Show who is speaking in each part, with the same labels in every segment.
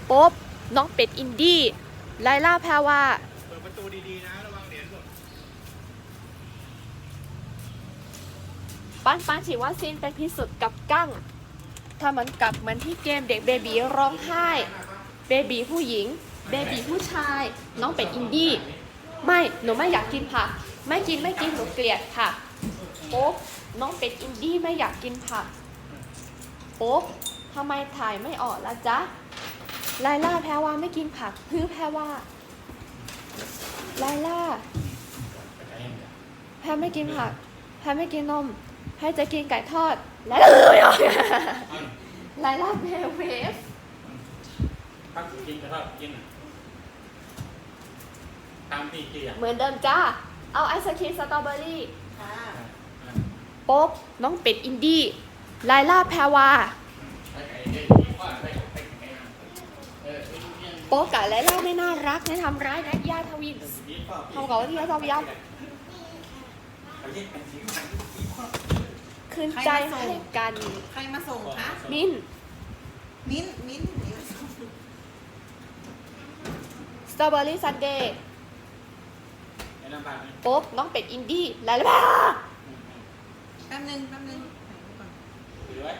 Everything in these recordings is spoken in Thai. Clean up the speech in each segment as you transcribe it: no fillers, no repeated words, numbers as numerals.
Speaker 1: โป๊บน้องเป็ดอินดี้ไลล่าแพรวา
Speaker 2: เปิดประตูดีๆนะระวังเหรียญหล่น
Speaker 1: ปันฉีดวัคซีนเป็นพิษสุดกับกั้งถ้ามันกลับเหมือนที่เกมเด็กเบบีร้องไห้เบบีผู้หญิงเบบีผู้ชายน้องเป็ดอินดี้ไม่หนูไม่อยากกินผักไม่กินหนูเกลียดค่ะโป๊บน้องเป็ดอินดี้ไม่อยากกินผักโป๊บทำไมถ่ายไม่ออกล่ะจ๊ะไลล่าแพรวาไม่กินผักแพรวาไลล่าแพรไม่กินผักแพรไม่กินนมแพรจะกินไก่ทอดและไลล่าเพลเวฟ
Speaker 2: พักกินกระทอดกินตามที่เกียร์
Speaker 1: เหมือนเดิมจ้าเอาไอศครีมสตรอเบอรี่โป๊บน้องเป็ดอินดี้ไลล่าแพรวาโป๊บกับไลล่าไม่น่ารักนะทำร้ายนักย่าทวินทำกับว่าที่เขาทำยับคืนใจให้กัน
Speaker 3: ใครมาส่งคะ
Speaker 1: มิ้นสตรอเบอรี่ซันเดย์โป๊บน้องเป็ดอินดี้ไลล่า
Speaker 3: แป๊บนึง
Speaker 2: ถือไว้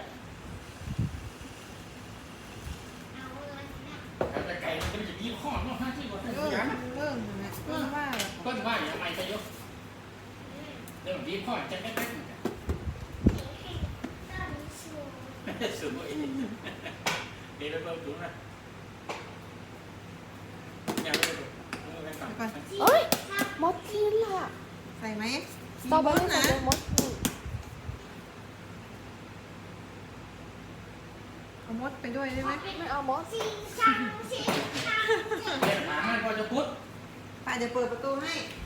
Speaker 2: แต่ไก่มันจะมีข้อเนาะห้าที่กว่าที่ยัน
Speaker 3: ว่า
Speaker 2: ต้นว่าอย่างไรจะยกเรื่องดีข้อจะไม่ได้สวยดีแล้วเพิ่มถุงนะ
Speaker 1: เอ้ยมดกินล่ะ
Speaker 3: ใส่ไหม
Speaker 1: สตรอเบอรี่ซันเดย์มดกิน
Speaker 3: เอามดไปด้วยได้ไหม
Speaker 1: ไม่เอามด
Speaker 2: หมามันพอจะพุทธ
Speaker 3: ป้าเดี๋ยวเปิดประตูให้